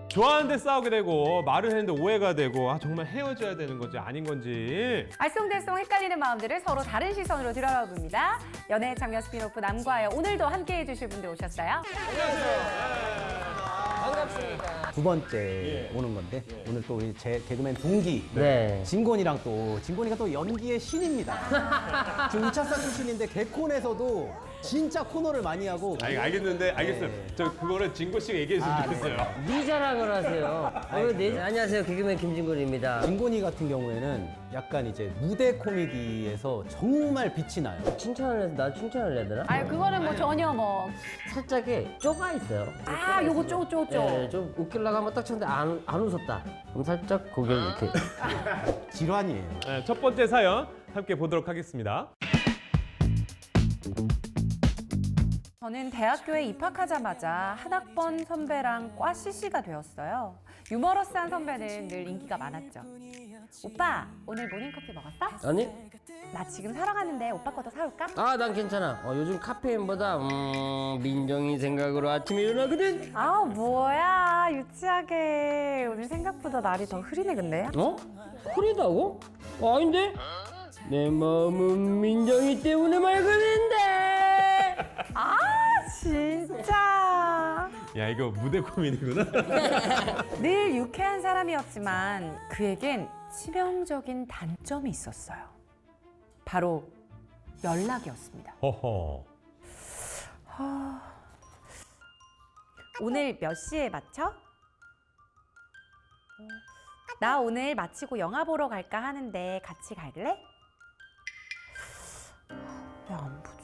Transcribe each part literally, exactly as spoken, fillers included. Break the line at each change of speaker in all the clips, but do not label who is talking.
좋아하는데 싸우게 되고 말을 했는데 오해가 되고 아 정말 헤어져야 되는 건지 아닌 건지
알쏭달쏭 헷갈리는 마음들을 서로 다른 시선으로 들여다봅니다. 연애 장면 스피노프 남과여 오늘도 함께해 주실 분들 오셨어요.
반갑습니다.
두 번째 오는 건데 오늘 또 우리 제 개그맨 동기
네.
진곤이랑 또 진곤이가 또 연기의 신입니다. 지금 우차사 출신인데 개콘에서도 진짜 코너를 많이 하고
아 알겠는데 알겠어요.
네.
저 그거를 진고 씨가 얘기했으면
아,
좋겠어요.
네 자랑을 하세요. 어, 네, 안녕하세요. 개그맨 김진곤입니다.
진곤이 같은 경우에는 약간 이제 무대 코미디에서 정말 빛이 나요.
칭찬을 해서 나 칭찬을 해야 되나?
아유 그거는 뭐 전혀 뭐.
살짝에 쪼가 있어요.
아 요거 쪼쪼쪼.
네, 좀 웃기려고 한번 딱 쳤는데 안, 안 웃었다. 그럼 살짝 고개를 이렇게.
질환이에요.
네, 첫 번째 사연 함께 보도록 하겠습니다.
저는 대학교에 입학하자마자 한 학번 선배랑 과 씨씨가 되었어요. 유머러스한 선배는 늘 인기가 많았죠. 오빠, 오늘 모닝커피 먹었어?
아니?
나 지금 사러 가는데 오빠 것도 사올까?
아, 난 괜찮아. 어, 요즘 카페인보다 음, 민정이 생각으로 아침에 일어나거든.
아 뭐야 유치하게. 오늘 생각보다 날이 더 흐리네 근데.
어? 흐리다고? 어, 아닌데? 내 마음은 민정이 때문에 맑은데.
아 진짜.
야 이거 무대 코미디구나.
늘 유쾌한 사람이었지만 그에겐 치명적인 단점이 있었어요. 바로 연락이었습니다.
허허.
오늘 몇 시에 마쳐? 나 오늘 마치고 영화 보러 갈까 하는데 같이 갈래? 왜 안 보지?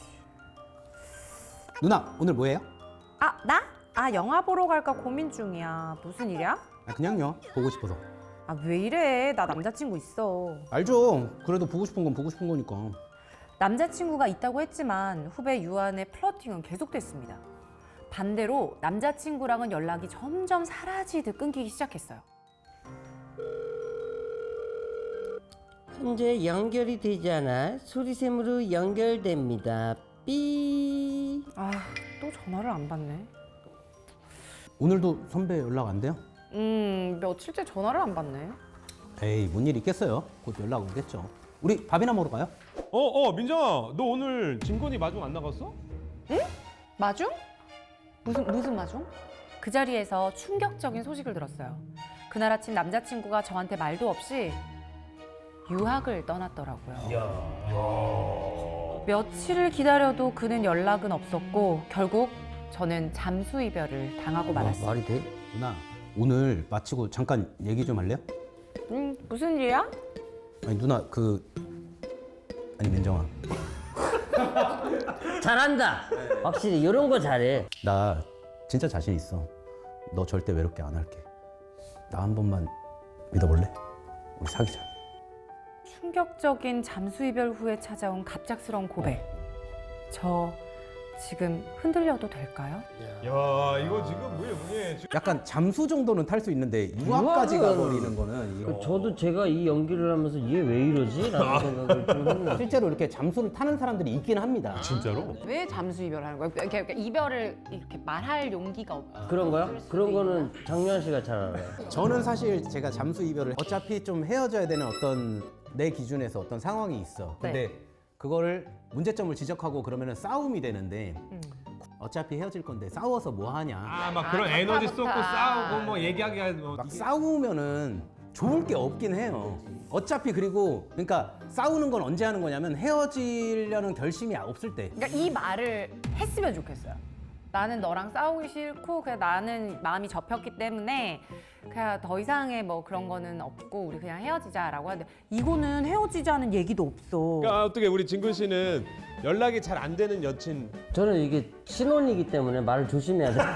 누나 오늘 뭐해요?
아, 나? 아, 영화 보러 갈까 고민 중이야. 무슨 일이야?
아, 그냥요. 보고 싶어서.
아, 왜 이래? 나 남자친구 있어.
알죠. 그래도 보고 싶은 건 보고 싶은 거니까.
남자친구가 있다고 했지만 후배 유한의 플러팅은 계속됐습니다. 반대로 남자친구랑은 연락이 점점 사라지듯 끊기기 시작했어요.
현재 연결이 되지 않아 소리샘으로 연결됩니다. 삐.
아, 또 전화를 안 받네.
오늘도 선배 연락 안 돼요?
음, 며칠째 전화를 안 받네.
에이 뭔 일 있겠어요. 곧 연락 오겠죠. 우리 밥이나 먹으러 가요?
어어 민정아 너 오늘 진곤이 마중 안 나갔어?
마중? 무슨 무슨 마중? 그 자리에서 충격적인 소식을 들었어요. 그날 아침 남자친구가 저한테 말도 없이 유학을 떠났더라고요. 며칠을 기다려도 그는 연락은 없었고 결국 저는 잠수 이별을 당하고 말았어요.
말이 돼?
누나 오늘 마치고 잠깐 얘기 좀 할래요?
음, 무슨 일이야?
아니 누나 그 아니 민정아
잘한다. 확실히 이런 거 잘해.
나 진짜 자신 있어. 너 절대 외롭게 안 할게. 나 한 번만 믿어볼래? 우리 사귀자.
충격적인 잠수 이별 후에 찾아온 갑작스러운 고백. 저 지금 흔들려도 될까요?
야 이거 지금 뭐야 뭐야 지금
약간 잠수 정도는 탈 수 있는데 유학까지
유학은-
가버리는 거는 이거.
저도 제가 이 연기를 하면서 얘 왜 이러지? 라는 생각을 좀 했는데.
실제로 이렇게 잠수를 타는 사람들이 있긴 합니다.
진짜로?
왜 잠수 이별하는 거예요? 이렇게, 이렇게 이별을 이렇게 말할 용기가 없.
그런 거야? 그런 거는 장유한 씨가 잘 알아요.
저는 사실 제가 잠수 이별을 어차피 좀 헤어져야 되는 어떤 내 기준에서 어떤 상황이 있어. 근데 그거를 문제점을 지적하고 그러면은 싸움이 되는데
음.
어차피 헤어질 건데 싸워서 뭐 하냐.
아 막
아,
그런 에너지 쏟고
좋다, 좋다.
싸우고 뭐 얘기하기가 뭐
막 싸우면은 좋을 게 없긴 해요. 어차피 그리고 그러니까 싸우는 건 언제 하는 거냐면 헤어지려는 결심이 없을 때.
그러니까 이 말을 했으면 좋겠어요. 나는 너랑 싸우기 싫고 그냥 나는 마음이 접혔기 때문에 그냥 더 이상의 뭐 그런 거는 없고 우리 그냥 헤어지자라고 하는데 이거는 헤어지자는 얘기도 없어.
그러니까 어떻게 우리 진곤 씨는 연락이 잘 안 되는 여친
저는 이게 신혼이기 때문에 말을 조심해야 돼.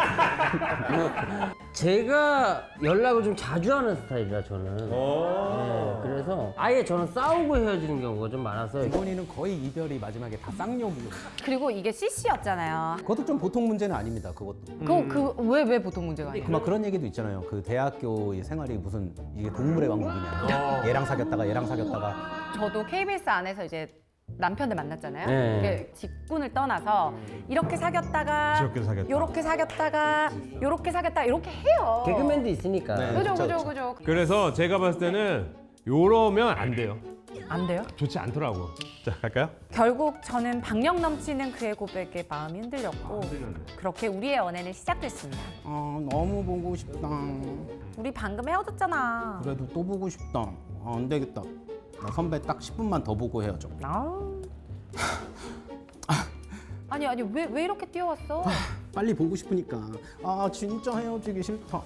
제가 연락을 좀 자주 하는 스타일이라 저는. 네, 그래서 아예 저는 싸우고 헤어지는 경우가 좀 많아서
이건이는 거의 이별이 마지막에 다 쌍욕이고.
그리고 이게 씨씨였잖아요.
그것도 좀 보통 문제는 아닙니다. 그것도.
그 그 왜 왜 보통 문제가 아니에요?
그 막 그런 얘기도 있잖아요. 그 대학교의 생활이 무슨 이게 동물의 왕국이냐. 얘랑 사귀었다가 얘랑 사귀었다가.
저도 케이비에스 안에서 이제 남편을 만났잖아요.
네.
이게 직군을 떠나서 이렇게 사귀었다가
저렇게 사귀었다.
요렇게 사귀었다가 요렇게 사귀었다가 이렇게 해요.
개그맨도 있으니까.
네.
그죠
그쵸,
그죠
그쵸.
그죠.
그래서 제가 봤을 때는 요러면 안 돼요.
안 돼요?
좋지 않더라고. 자, 갈까요?
결국 저는 박력 넘치는 그의 고백에 마음이 흔들렸고 그렇게 우리의 연애는 시작됐습니다.
아 너무 보고 싶다.
우리 방금 헤어졌잖아.
그래도 또 보고 싶다. 아, 안 되겠다. 나 선배 딱 십 분만 더 보고 헤어져.
아우. 아니 아니 왜 왜 이렇게 뛰어왔어?
빨리 보고 싶으니까. 아 진짜 헤어지기 싫다.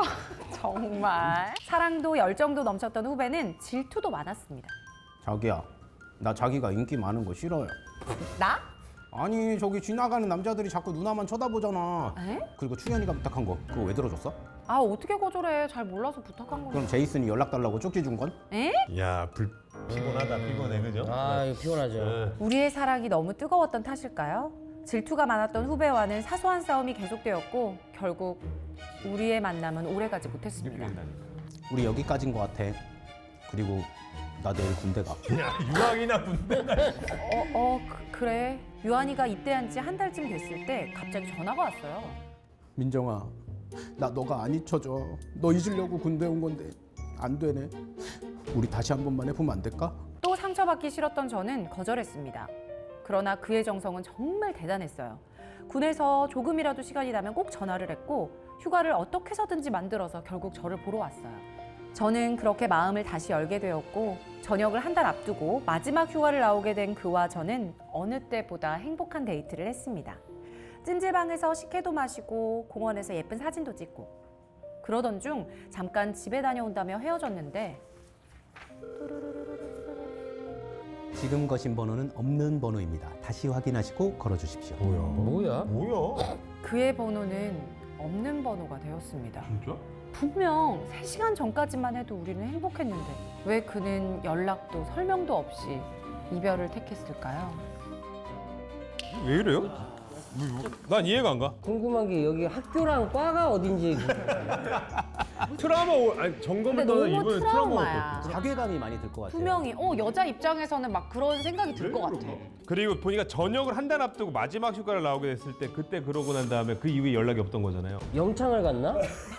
정말 사랑도 열정도 넘쳤던 후배는 질투도 많았습니다.
자기야, 나 자기가 인기 많은 거 싫어요.
나?
아니 저기 지나가는 남자들이 자꾸 누나만 쳐다보잖아.
에?
그리고 충현이가 부탁한 거 그거 왜 들어줬어?
아 어떻게 거절해? 잘 몰라서 부탁한 건데.
그럼 제이슨이 연락 달라고 쪽지 준 건?
에?
야, 불 피곤하다. 피곤해. 그죠?
아, 이거 피곤하죠.
우리의 사랑이 너무 뜨거웠던 탓일까요? 질투가 많았던 후배와는 사소한 싸움이 계속되었고 결국 우리의 만남은 오래가지 못했습니다.
우리 여기까지인 것 같아. 그리고 나 내일 군대 가.
야, 유학이나 군대.
어, 어 그, 그래. 유한이가 입대한 지 한 달쯤 됐을 때 갑자기 전화가 왔어요.
민정아, 나 너가 안 잊혀져. 너 잊으려고 군대 온 건데 안 되네. 우리 다시 한 번만 해보면 안 될까?
또 상처받기 싫었던 저는 거절했습니다. 그러나 그의 정성은 정말 대단했어요. 군에서 조금이라도 시간이 나면 꼭 전화를 했고 휴가를 어떻게 해서든지 만들어서 결국 저를 보러 왔어요. 저는 그렇게 마음을 다시 열게 되었고 전역을 한 달 앞두고 마지막 휴가를 나오게 된 그와 저는 어느 때보다 행복한 데이트를 했습니다. 찜질방에서 식혜도 마시고 공원에서 예쁜 사진도 찍고 그러던 중 잠깐 집에 다녀온다며 헤어졌는데
지금 거신 번호는 없는 번호입니다. 다시 확인하시고 걸어주십시오.
뭐야?
뭐야?
그의 번호는 없는 번호가 되었습니다.
진짜?
분명 세 시간 전까지만 해도 우리는 행복했는데 왜 그는 연락도 설명도 없이 이별을 택했을까요?
왜 이래요? 뭐, 난 이해가 안 가.
궁금한 게 여기 학교랑 과가 어딘지.
트라우마 오, 아니 점검을
근데
떠나
너무
이번에
트라우마야.
자괴감이 많이 들 것 같아요.
분명히 어 여자 입장에서는 막 그런 생각이 들 것 같아.
그리고 보니까 전역을 한 달 앞두고 마지막 휴가를 나오게 됐을 때 그때 그러고 난 다음에 그 이후에 연락이 없던 거잖아요.
영창을 갔나?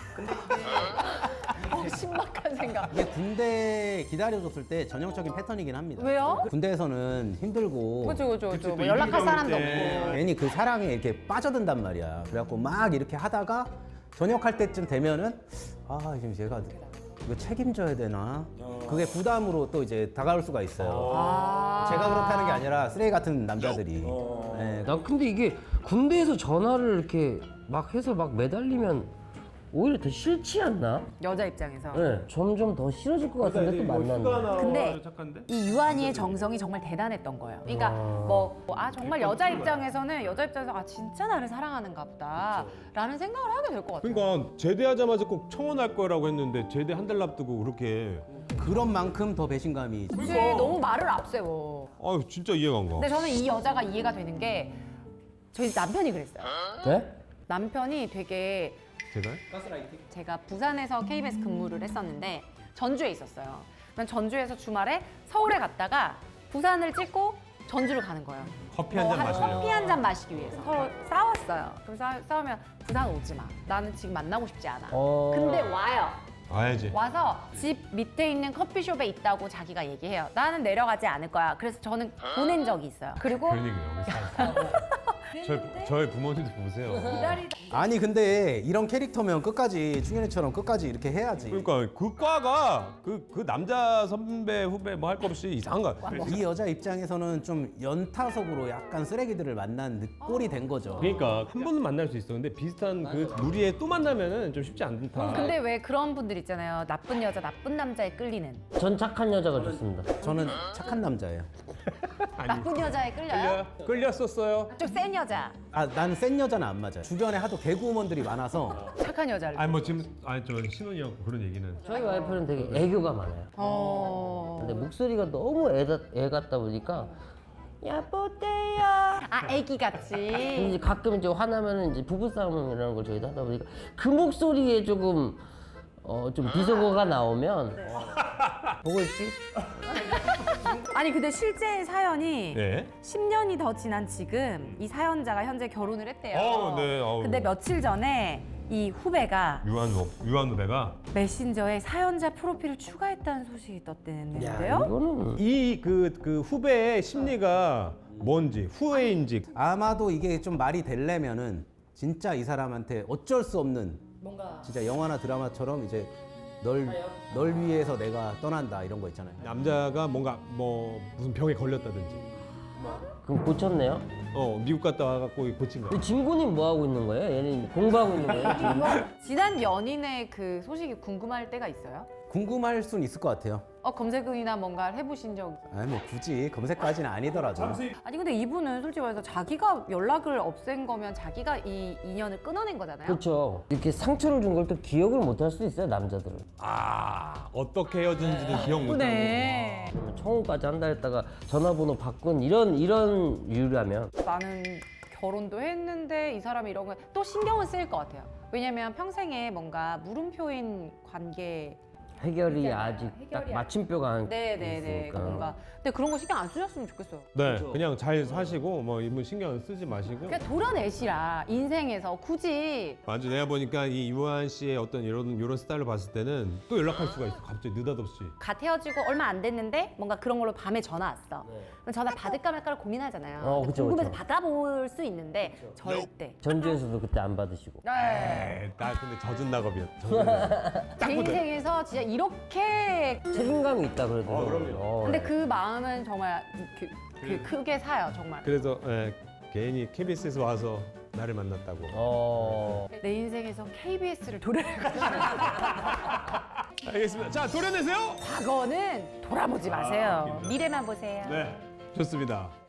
어, 신박한 생각.
이게 군대 기다려줬을 때 전형적인 패턴이긴 합니다.
왜요?
군대에서는 힘들고
그죠 그죠
그치,
그죠.
또
뭐 연락할
일이
사람도
나올 때.
없고.
괜히 그 사랑에 이렇게 빠져든단 말이야. 그래갖고 막 이렇게 하다가 전역할 때쯤 되면은 아 지금 제가 이거 책임져야 되나? 그게 부담으로 또 이제 다가올 수가 있어요.
아.
제가 그렇다는 게 아니라 쓰레기 같은 남자들이. 네.
나 근데 이게 군대에서 전화를 이렇게 막 해서 막 매달리면 오히려 더 싫지 않나?
여자 입장에서.
네. 점점 더 싫어질 것 같은데 또 만나면.
근데
착한데?
이 유한이의 정성이 정말 대단했던 거예요. 그러니까 뭐 아 정말 여자 입장에서는 여자 입장에서 아 진짜 나를 사랑하는가 보다라는 생각을 하게 될 것 같아요.
그러니까 제대하자마자 꼭 청혼할 거라고 했는데 제대 한 달 앞두고 그렇게
그런 만큼 더 배신감이.
그치, 너무 말을 앞세워.
아유 진짜 이해가 안 가.
근데 저는 이 여자가 이해가 되는 게 저희 남편이 그랬어요.
네?
남편이 되게
제가?
제가 부산에서 케이비에스 근무를 했었는데 전주에 있었어요. 그럼 전주에서 주말에 서울에 갔다가 부산을 찍고 전주를 가는 거예요.
커피 한 잔
한
마시려고.
커피 한 잔 마시기 위해서 서로 싸웠어요. 그럼 싸, 싸우면 부산 오지 마. 나는 지금 만나고 싶지 않아.
어.
근데 와요.
와야지.
와서 집 밑에 있는 커피숍에 있다고 자기가 얘기해요. 나는 내려가지 않을 거야. 그래서 저는 보낸 적이 있어요. 그리고
그런 얘기 여기 살아. 저희, 저희 부모님도 보세요.
기다리다.
아니 근데 이런 캐릭터면 끝까지 충현이처럼 끝까지 이렇게 해야지.
그러니까 그 과가 그, 그 남자 선배 후배 뭐 할 거 없이 이상한 거야.
이 여자 입장에서는 좀 연타석으로 약간 쓰레기들을 만난 느- 꼴이 된 거죠.
그러니까 한 번은 만날 수 있어. 근데 비슷한 그 무리에 또 만나면은 좀 쉽지 않다.
근데 왜 그런 분들 있잖아요. 나쁜 여자, 나쁜 남자에 끌리는.
전 착한 여자가 좋습니다.
저는 착한 남자예요.
나쁜 여자에 끌려요?
끌려 끌렸었어요.
좀 센 여자,
아, 난 센 여자는 안 맞아요. 주변에 하도 개구먼들이 많아서
착한 여자를.
아니 뭐 지금 아니 저 신혼이었고 그런 얘기는.
저희 와이프는 되게 애교가 많아요.
어.
근데 목소리가 너무 애, 애 같다 보니까 여보세요.
아, 애기 같이.
근데 이제 가끔 이제 화나면은 이제 부부싸움이라는 걸 저희도 하다 보니까 그 목소리에 조금 어 좀 비속어가 나오면 보고 있지?
아니 근데 실제 사연이
네.
십 년이 더 지난 지금 이 사연자가 현재 결혼을 했대요.
어, 네. 어우.
근데 며칠 전에 이 후배가
유한 후 유한 후배가
메신저에 사연자 프로필을 추가했다는 소식이
야,
떴대는데요.
이거는
이 그 그 후배의 심리가 뭔지 후회인지
아마도 이게 좀 말이 되려면은 진짜 이 사람한테 어쩔 수 없는
뭔가
진짜 영화나 드라마처럼 이제 널, 널 위해서 내가 떠난다 이런 거 있잖아요.
남자가 뭔가 뭐 무슨 병에 걸렸다든지
그럼 고쳤네요?
어 미국 갔다 와갖고 고친 거야.
그 진구님 뭐 하고 있는 거예요? 얘는 공부하고 있는 거예요? 지금?
지난 연인의 그 소식이 궁금할 때가 있어요?
궁금할 순 있을 것 같아요.
어 검색이나 뭔가를 해보신 적?
아니 뭐 굳이 검색까지는 아니더라도.
아니 근데 이분은 솔직히 말해서 자기가 연락을 없앤 거면 자기가 이 인연을 끊어낸 거잖아요.
그렇죠. 이렇게 상처를 준 걸 또 기억을 못 할 수도 있어요, 남자들은.
아 어떻게 헤어졌는지도 기억 못하고.
네.
청혼까지 한다 했다가 전화번호 바꾼 이런 이런 이유라면
나는 결혼도 했는데 이 사람이 이런 거 또 신경을 쓰일 것 같아요. 왜냐면 평생에 뭔가 물음표인 관계.
해결이
있잖아요.
아직
해결이
딱 마침표가 안
네네네.
있으니까.
뭔가. 근데 그런 거 신경 안 쓰셨으면 좋겠어요.
네, 그냥 잘 사시고 뭐 이분 신경 쓰지 마시고.
그냥 도려내시라 인생에서 굳이.
맞아, 내가 보니까 이 유한 씨의 어떤 이런 이런 스타일을 봤을 때는 또 연락할 수가 있어. 갑자기 느닷없이.
갓 헤어지고 얼마 안 됐는데 뭔가 그런 걸로 밤에 전화 왔어. 그럼 전화 받을까 말까를 고민하잖아요.
어, 그쵸,
궁금해서
그쵸.
받아볼 수 있는데 절대.
전주에서도 그때 안 받으시고.
네.
에이, 나 근데 젖은 낙업이었. 젖은 낙업.
제 인생에서 진짜 이렇게.
책임감이 있다 그래도.
어, 그럼요.
어,
근데 그 마음은 정말 그, 그 크게 사요 정말.
그래서 예, 괜히 케이비에스에서 와서 나를 만났다고.
어.
내 인생에서 케이비에스를 도려내가지고
알겠습니다. 자, 도려내세요.
과거는 돌아보지 마세요.
아,
미래만 보세요.
네, 좋습니다.